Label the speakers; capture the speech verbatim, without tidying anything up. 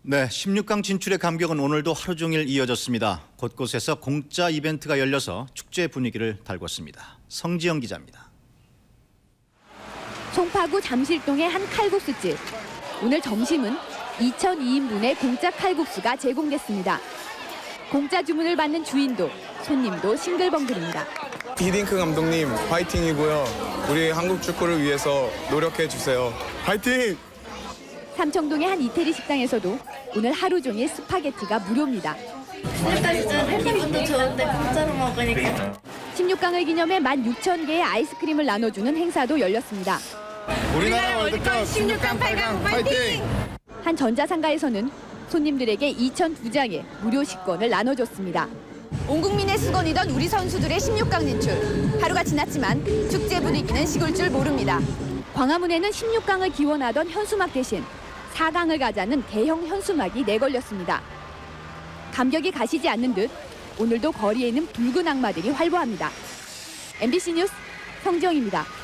Speaker 1: 네, 십육 강 진출의 감격은 오늘도 하루 종일 이어졌습니다. 곳곳에서 공짜 이벤트가 열려서 축제 분위기를 달궜습니다. 성지영 기자입니다.
Speaker 2: 송파구 잠실동의 한 칼국수집. 오늘 점심은 이천이 인분의 공짜 칼국수가 제공됐습니다. 공짜 주문을 받는 주인도 손님도 싱글벙글입니다.
Speaker 3: 히딩크 감독님 화이팅이고요. 우리 한국 축구를 위해서 노력해 주세요. 화이팅!
Speaker 2: 삼청동의 한 이태리 식당에서도 오늘 하루 종일 스파게티가 무료입니다.
Speaker 4: 일단 진짜 기분도 좋은데 공짜로 먹으니까.
Speaker 2: 십육 강을 기념해 만 육천 개의 아이스크림을 나눠주는 행사도 열렸습니다.
Speaker 3: 우리나라 월드컵 십육 강 팔 강 화이팅!
Speaker 2: 한 전자상가에서는 손님들에게 이천두 장의 무료 식권을 나눠줬습니다. 온 국민의 수건이던 우리 선수들의 십육 강 진출. 하루가 지났지만 축제 분위기는 식을 줄 모릅니다. 광화문에는 십육 강을 기원하던 현수막 대신 사 강을 가자는 대형 현수막이 내걸렸습니다. 감격이 가시지 않는 듯 오늘도 거리에는 붉은 악마들이 활보합니다. 엠비씨 뉴스 성지영입니다.